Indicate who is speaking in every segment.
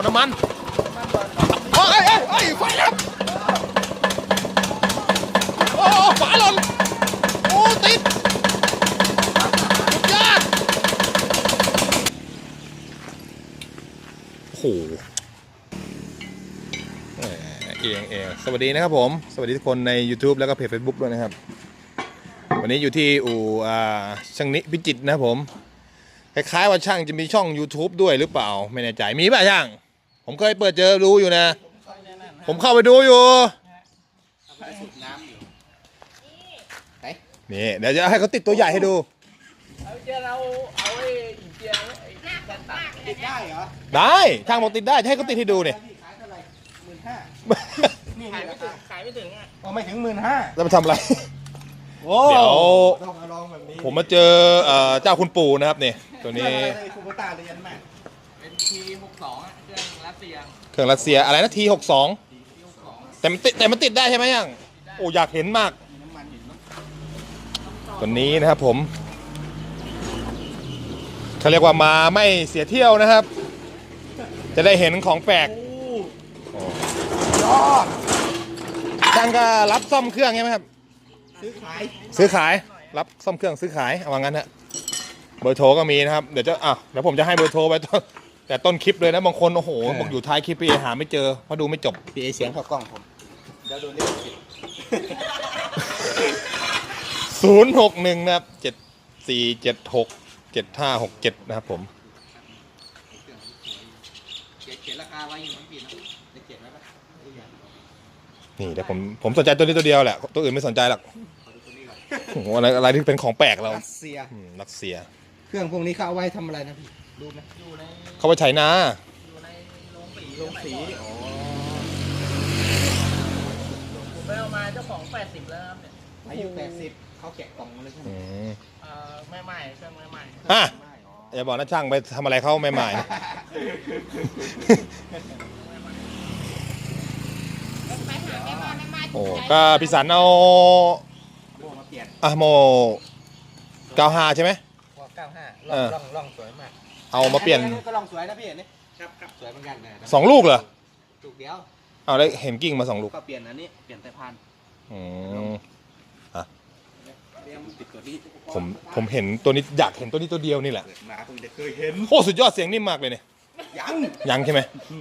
Speaker 1: น้ำมันโอ้ยไฟดับโอ้ฝาหล่นโอ้ติดสุดยอดโอ้โหเองสวัสดีนะครับผมสวัสดีทุกคนใน YouTube แล้วก็เพจ Facebook ด้วยนะครับวันนี้อยู่ที่อู่ช่างนิพิจิตรนะครับผมคล้ายๆว่าช่างจะมีช่อง YouTube ด้วยหรือเปล่าไม่แน่ใจมีป่ะช่างผมเคยเปิดเจอดูอยู่นะผมเข้าไปดูอยู่นี่เดี๋ยวจะให้เขาติดตัวใหญ่ให้ดูเราเอาไอ้เจียติดได้เหรอได้ช่างบอกติดได้ให้เขาติดให้ดูเนี่ยขายเท่าไหร่15,000นี่ขายไม่ถึงอ่ะอ๋อไม่ถึง15,000แล้วมาทำอะไรเดี๋ยวผมมาเจอเจ้าคุณปู่นะครับเนี่ยตัวนี้คุณตาเรียนมาเป็น T62 เครื่องรัสเซียอะไรนะ T62 แต่มันติดได้ใช่ไหมยังโอ้อยากเห็นมากตัวนี้นะครับผมเขาเรียกว่ามาไม่เสียเที่ยวนะครับจะได้เห็นของแปลกช่างก็รับซ่อมเครื่องใช่ไหมครับซื้อขายรับซ่อมเครื่องซื้อขายเอาว่างั้นฮะเบอร์โทรก็มีนะครับเดี๋ยวผมจะให้เบอร์โทรไปแต่ต้นคลิปเลยนะบางคนโอ้โหบอกอยู่ท้ายคลิปพี่หาไม่เจอเพราะดูไม่จบพี่เสียงเข้ากล้องผมเดี๋ยวโดนเรียก061นะครับ74767567นะครับผมเขียนราคาไว้อยู่มั้งพี่นะได้เขียนไว้ปะนี่แต่ผมสนใจตัวนี้ตัวเดียวแหละตัวอื่นไม่สนใจหรอกโอ้โหอะไรที่เป็นของแปลกเรารัสเซีย
Speaker 2: เครื่องพวกนี้เขาเอาไว้ทำอะไรนะพี่ดูไหม
Speaker 1: เขาไปไถนา
Speaker 2: อยู่ในโรงสี
Speaker 3: ผมไปเอามาเจ้าของ80แล้วครับเนี่ย
Speaker 2: อายุ80เขาแกะกล่องเลยใช่ไหม
Speaker 3: ไม่ใหม่เครื่องไม่ใหม่
Speaker 1: อย่าบอกนะช่างไปทำอะไรเขาใหม่ๆโอ้ก็พิสันเอาโม95ใช่ไหม
Speaker 2: ล่องสวยมาก
Speaker 1: เอามาเปลี่ยน
Speaker 2: ก็ล่องสวยนะพี่นี่ครับสวยเหมือนกันนะ
Speaker 1: 2 ลูกเหรอ
Speaker 2: ลูกเดียว
Speaker 1: เอาได้เห็นกิ่งมา2 ลูก
Speaker 2: ก็เปลี่ยนอันนี้เปลี่ยนแต่พัน
Speaker 1: ผมเห็นตัวนี้อยากเห็นตัวนี้ตัวเดียวนี่แหละ
Speaker 2: มาผมจะเคยเห็น
Speaker 1: โอ้สุดยอดเสียงนิ่มมากเลยเนี่ยยังใช่ไหม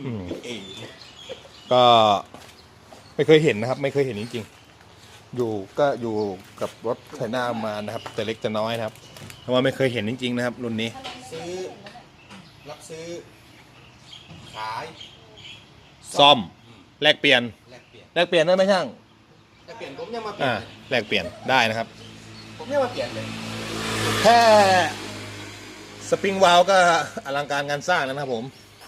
Speaker 1: ก็ไม่เคยเห็นนะครับไม่เคยเห็นจริงๆอยู่กับรถไถนามานะครับแต่เล็กแต่น้อยนะครับเพราะว่าไม่เคยเห็นจริงๆนะครับรุ่นนี้
Speaker 2: รับซื้อขาย
Speaker 1: ซ่อมแลกเปลี่ยนได้ไหมช่าง
Speaker 2: แลกเปลี่ยนผมยังมาเปลี่ยน
Speaker 1: แลกเปลี่ยนได้นะครับ
Speaker 2: ผมยังมาเปลี่ยนเลย
Speaker 1: แค่สปริงวาล์วก็อลังการงานสร้างแล้วนะครับผม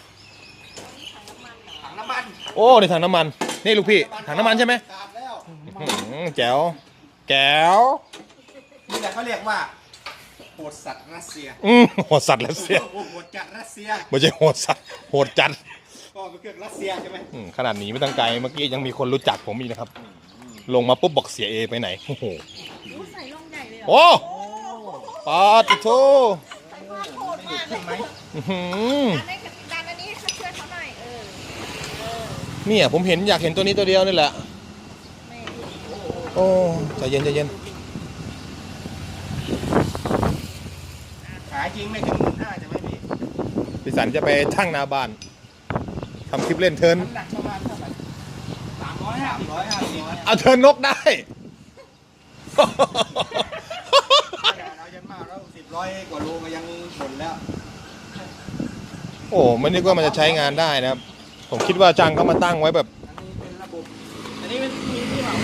Speaker 2: ถังน้ำมัน
Speaker 1: โอ้ในถังน้ำมันนี่ลูกพี่ถังน้ำมันใช่ไหมแจ๋ว
Speaker 2: นี่แหละเขาเรียกว่าโหดสัตว์รัสเซีย
Speaker 1: โหดสัตว์รัสเซีย
Speaker 2: โหดจัดรัสเซีย
Speaker 1: ไม่ใช่โหดสัตว์โหดจัด
Speaker 2: ก็เป็นเครื่องรัสเซียใช่ไหม
Speaker 1: ขนาดนี้ไม่ตั้งไกลเมื่อกี้ยังมีคนรู้จักผมอีกนะครับลงมาปุ๊บบอกเสียเอไปไหนโอ้โห
Speaker 3: ใส่ลงใหญ่เลย
Speaker 1: โอ้ปาติโต
Speaker 2: ใช่ไหม
Speaker 3: ดันอันนี้ช่วยเขาหน่อย
Speaker 1: เนี่ยผมอยากเห็นตัวนี้ตัวเดียวนี่แหละโอ้ใจเย็น
Speaker 2: ขายจริงไม่ถึง15,000จะไม่มี
Speaker 1: พี่สันจะไปทั้งนาบ้านทำคลิปเล่นเทิร์น
Speaker 2: หนักประมาณเท่าไหร่350
Speaker 1: เอาเทิร์นนกได้
Speaker 2: เรายันมากแล้ว10-100 กว่าโลก็ยังหมดแล้ว
Speaker 1: โอ้ไม่นึกว่ามันจะใช้งานได้นะครับผมคิดว่าจังเขามาตั้งไว้แบบ
Speaker 2: อันนี้เป็นระบบอันนี้เป็นที่เหมา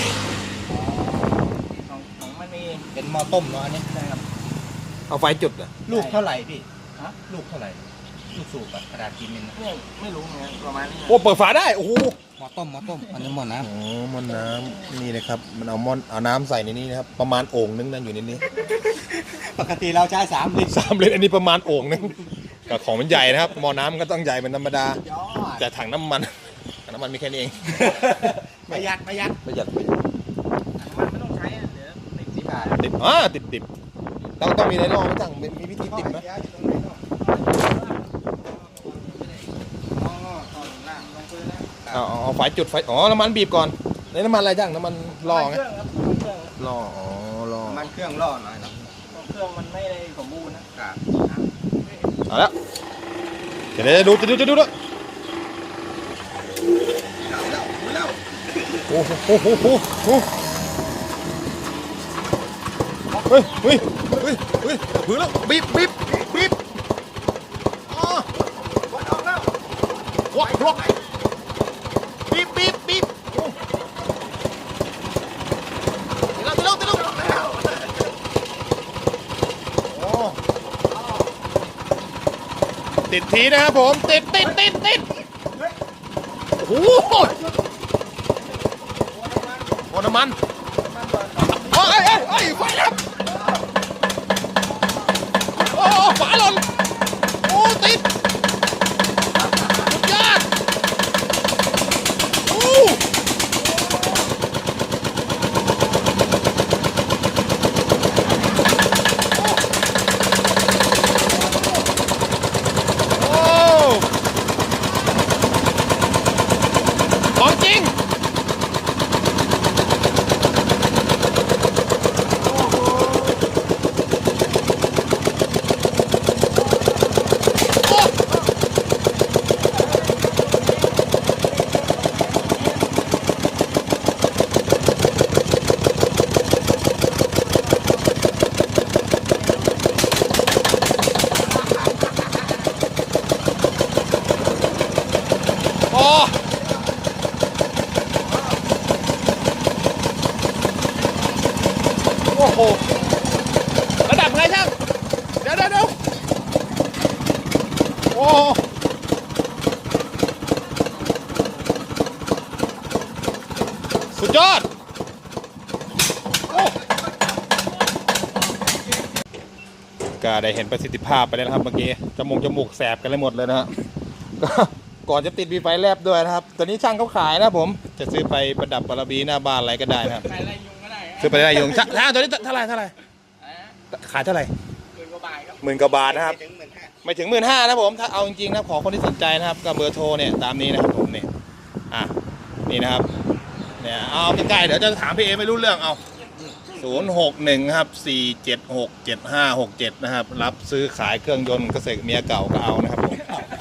Speaker 2: ของมันมีเป็นหม้อต้มเนาะอันนี้ใช่ครับ
Speaker 1: เอาไฟจุดอ่ะ
Speaker 2: ลูกเท่าไหร่พี่ลูกเท่าไหร่ลูกสูบกระดาษกินมินไม่รู้ไงประมาณนี้
Speaker 1: โอ้เปิดฝาได้โอ้โห
Speaker 2: หม้อต้มอันนี้หม้อน้ำ
Speaker 1: หม้อน้ำนี่นะครับมันเอาน้ำใส่ในนี้นะครับประมาณโอ่งนึงนั่นอยู่ในนี้
Speaker 2: ปกติเราใช้3 ลิตร
Speaker 1: อันนี้ประมาณโอ่งนึงกับของมันใหญ่นะครับหม้อน้ำก็ต้องใหญ่เป็นธรรมดาแต่ถังน้ำมันมีแค่นี้เอง
Speaker 2: ประหยัดน้ำมันไม่ต้องใช้เดี๋ยว
Speaker 1: ติดต้องมีอะไรลองจังมีวิธีติดไหมเอาไฟจุดไฟอ๋อน้ำมันบีบก่อนในน้ำมันอะไรจ้างน้ำมันล่อไง
Speaker 3: เครื่องครับเครื่อง
Speaker 1: ล่ออ๋อล่อ
Speaker 2: มันเครื่องล่อหน่อยนะ
Speaker 3: เครื่องมันไม่ได้สมบูรณ์นะครับ
Speaker 1: เอาแล้วเดี๋ยวดูด้วย
Speaker 2: แล้ว
Speaker 1: โอ้โหเฮ้ยมือแล้วบีบอ๋อ
Speaker 2: วัดออกแล้ว
Speaker 1: ล็อกบีบโอ้ตีแล้วโอ้ติดทีนะครับผมติดโอ้โหโอ้น้ำมันเอ้ยไฟดับโอ้ฝาหล่นโอ้ติดสุดยอดโอ้ของจริงโอ้โหระดับไงช่างเดี๋ยวโอ้สุดยอดโอ้ก็ได้เห็นประสิทธิภาพไปแล้วนะครับเมื่อกี้จมูกแสบกันเลยหมดเลยนะฮะก็ก่อนจะติดมีไฟแลบด้วยนะครับตอนนี้ช่างเขาขายนะผมจะซื้อไปประดับบารบีหน้าบ้านอะไรก็ได้นะครับ
Speaker 3: ใครไล่ยุงก็ได้
Speaker 1: ซื้อไปได้ยุงช่างตัวนี้เท่าไหร่ขายเท่าไหร่
Speaker 3: 10,000 กว่าบาทครับ
Speaker 1: 10,000 กว่าบาทนะครับ
Speaker 2: ถึง15,000
Speaker 1: ไม่ถึง 15,000นะผมถ้าเอาจริงๆนะขอคนที่สนใจนะครับก็เบอร์โทรเนี่ยตามนี้นะครับผมเนี่ยนี่นะครับเนี่ยเอาใกล้ๆเดี๋ยวจะถามพี่เอไม่รู้เรื่องเอา061ครับ4767567นะครับรับซื้อขายเครื่องยนต์เกษตรเมียเก่าก็เอานะครับผม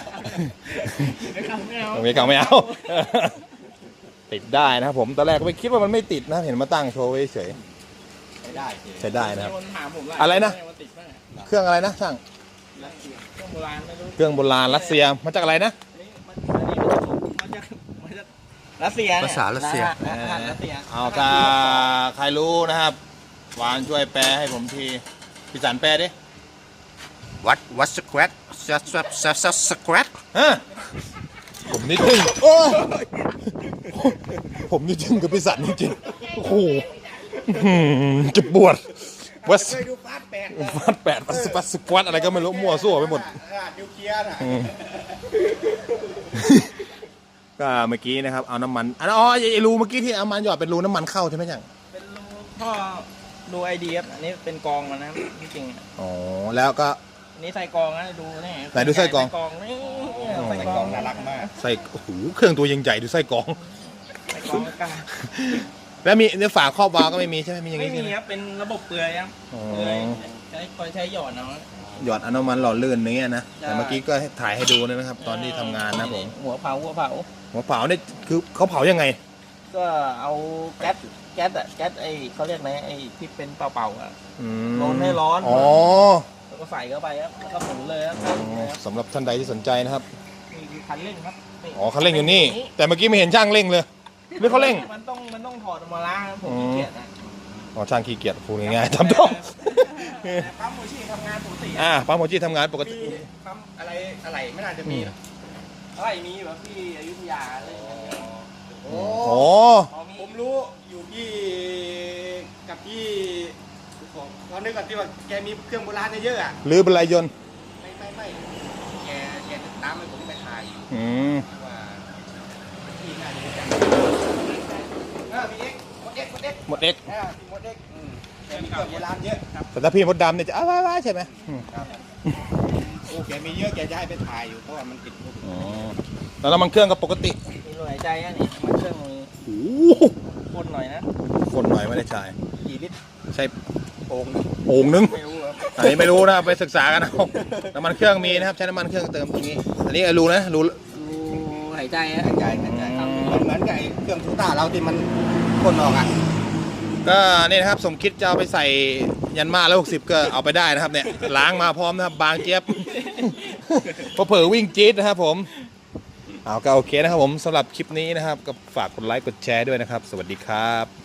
Speaker 3: ไม่เอา
Speaker 1: เมียเก่าไม่เอา ติดได้นะครับผมตอนแรกก็ไม่คิดว่ามันไม่ติดนะเห็นมาตั้งโชว์ไว้เฉย
Speaker 2: ไม่ได้สิ
Speaker 1: ใช้ได้นะครับ
Speaker 3: คนถามผม
Speaker 1: อะไรนะ
Speaker 3: ว่าติดไหม
Speaker 1: เครื่องอะไรนะช่าง
Speaker 3: เครื่องโบราณไม่รู้
Speaker 1: เครื่องโบราณรัสเซียมาจากอะไรนะ
Speaker 3: อันนี้มันจากรัสเซียเนี่ย
Speaker 2: ภาษารัสเซีย
Speaker 3: อาหารรัสเซีย
Speaker 1: เอาถ้าใครรู้นะครับหวานช่วยแปลให้ผมทีพี่สันแปลดิ
Speaker 2: วัดสแควตสแควต
Speaker 1: ฮะผมนี่ทึ่งโอ้ผมนี่ทึ่งกับพี่สันจริงๆโอ้โหจะปวดวัด
Speaker 2: เคยดูฟาสแปด
Speaker 1: วัด8วัดสควอตอะไรก็ไม่รู้มั่วซั่วไปหมด
Speaker 2: นิวเคลียร์น่ะ
Speaker 1: ก็เมื่อกี้นะครับเอาน้ำมันอ๋อไอ้รูเมื่อกี้ที่เอามันหยอดเป็นรูน้ำมันเข้าใช่ไหมจัง
Speaker 3: เป็นรูท่อดูไอเดียอันนี้เป็นกองมันนะที่จริงอ่ะ
Speaker 1: อ๋อแล้วก็
Speaker 3: อันนี้ใส่กองนะดูนี่
Speaker 1: ไหนดูไส้กรอง
Speaker 3: ใส่กองนี่
Speaker 1: อ๋อ
Speaker 3: ใส่กองน่ารักมาก
Speaker 1: ใส่โอ้โหเครื่องตัวยังใหญ่ดูไส้กรอง
Speaker 3: ใส่กองกลาง
Speaker 1: แล้วมีเนื้อฝาครอบวาล์วก็ไม่มีใช่ไหมมีอย่าง
Speaker 3: ไม่
Speaker 1: นี้
Speaker 3: มี
Speaker 1: ใช่ไหม
Speaker 3: ครับเป็นระบบเปลือยครับ
Speaker 1: อ๋อ
Speaker 3: เปลือยใช้หยอดเนาะ
Speaker 1: หยอดเอาน้ำมันหล่อลื่นอย่างเงี้ยนะ
Speaker 3: ใช่
Speaker 1: แต่เมื่อกี้ก็ให้ถ่ายให้ดูเลยนะครับ ตอนที่ทำงานนะผม
Speaker 3: หัวเผา
Speaker 1: หัวเผาเนี่ยคือเขาเผายังไง
Speaker 3: ก็เอาแก๊สไอเขาเรียกไงไอที่เป็นเป่าๆอ่ะ
Speaker 1: อืม
Speaker 3: โดนให้ร้อน
Speaker 1: อ๋อ
Speaker 3: แล้วก็ใส่เข้าไปครับแล้วก็หมุนเลยครับ
Speaker 1: สำหรับท่านใดที่สนใจนะครับ
Speaker 3: นี่คือคันเร่งครับนี่
Speaker 1: อ๋อเขาเร่งอยู่นี่ แต่เมื่อกี้ไม่เห็นช่างเร่งเลยหรือเขาเร่ง
Speaker 3: มันต้องถอดออกมาล้างครับผมขี้เกียจนะ
Speaker 1: อ๋อช่างขี้เกียจพูดง่ายๆทำต้อง
Speaker 3: แต่ปั๊มโมชี่ทำงานปกติ
Speaker 1: ปั๊มโมจิทำงานปกติ
Speaker 3: มีปั๊มอะไรไม่น่าจะมีหรอกอะไรมีอยู่ครับที่อยุธยาอะไรอย่างเงี้ย
Speaker 2: โอ้
Speaker 1: โอ้
Speaker 3: พอมี
Speaker 2: ผมรู้อยู่ที่กับที่เรานึกก่อนที่ว่าแกมีเครื่องโบราณเยอะอ่ะ
Speaker 1: หรือบรรลัยยนต์
Speaker 2: ไม่แกตามให้ผมไปถ่ายอยู่
Speaker 1: อืม
Speaker 2: ว่าที่น่าจะรู้จักมีเอ็กหมดเอ็ก
Speaker 1: หมดเอ็ก
Speaker 2: มีหมดเอ็กแกมีเครื่องโบราณเยอะครับ
Speaker 1: แต่ถ้าพี่มดดำเนี่ยจะอ้าวใช่ไหมอืม
Speaker 2: โอเคมีเยอะแกจะให้ไปถ่ายอยู่เพราะว่ามันติดรูป
Speaker 1: อ๋อแล้วน้ำมันเครื่องก็ปกติ
Speaker 3: มีลมหายใจอ่ะนี่มันเครื่องมี
Speaker 1: โอ้โห
Speaker 3: พ่นหน่อยนะ
Speaker 1: คนหน่อยไม่ได้ใช้
Speaker 2: กี่ลิตร
Speaker 1: ใช้
Speaker 2: โอ่ง
Speaker 1: โอ่งนึง
Speaker 3: ไม่รู้ครับ
Speaker 1: อันนี้ไม่รู้นะไปศึกษากันเอาน้ำมันเครื่องมีนะครับใช้น้ำมันเครื่องเติมตรงนี้ อันนี้รู้นะรู้
Speaker 3: ดูหายใจอ่ะ
Speaker 2: กระจายเหมือนกับไอ้เครื่องทูต้าเราที่มันพ่นออกอ่ะ
Speaker 1: ก็นี่นะครับสมคิดจะเอาไปใส่ยันมาแล้ว60ก็เอาไปได้นะครับเนี่ยล้างมาพร้อมนะครับบางเจี๊ยบ พอเผลอวิ่งจี๊ดนะครับผมเอาก็โอเคนะครับผมสำหรับคลิปนี้นะครับก็ฝากกดไลค์กดแชร์ด้วยนะครับ สวัสดีครับ